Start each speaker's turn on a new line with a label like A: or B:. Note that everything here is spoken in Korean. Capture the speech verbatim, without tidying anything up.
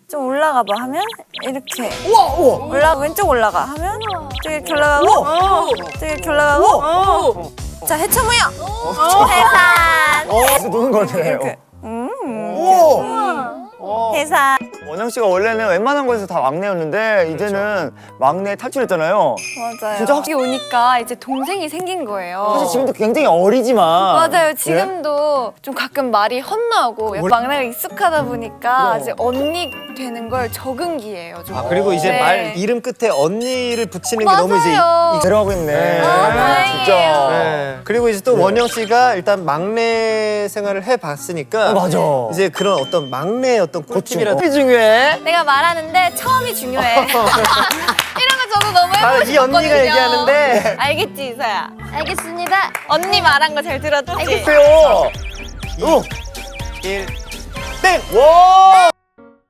A: 좀 올라가 봐 하면 이렇게
B: 우와 우와.
A: 올라 왼쪽 올라가 하면 또 이렇게 올라가고 또 이렇게 올라가고 자 해처무요 해산
B: 어, 노는 것 같아요.
A: 이렇게 음
B: 오.
A: 해산
B: 원영 씨가 원래는 웬만한 거에서 다 막내였는데 이제는 막내 탈출했잖아요.
A: 맞아요.
B: 진짜 확-
C: 여기 오니까 이제 동생이 생긴 거예요.
B: 사실 지금도 굉장히 어리지만.
C: 맞아요. 지금도 좀 가끔 말이 헛나오고
B: 뭘-
C: 막내가 익숙하다 보니까 이제 언니 되는 걸 적응기예요. 좀.
D: 아, 그리고 이제
C: 네.
D: 말 이름 끝에 언니를 붙이는 게 너무 이제
C: 맞아요.
D: 이-
B: 데려가고 있네.
D: 네.
C: 아, 다행이에요.
B: 진짜.
D: 네. 그리고 이제 또
B: 네.
D: 원영 씨가 일단 막내 생활을 해봤으니까
B: 어, 맞아.
D: 이제 그런 어떤 막내의 어떤 꿀팁이라든지
B: 꿀팁이 중요해.
C: 내가 말하는데 처음이 중요해. 이런 거 저도 너무
D: 바로
C: 해보고
D: 이 언니가
C: 싶거든요.
D: 얘기하는데
C: 알겠지 이서야?
A: 알겠습니다.
C: 언니 말한 거 잘 들었지?
B: 글쎄요. 오.
D: 일
B: 땡. 와.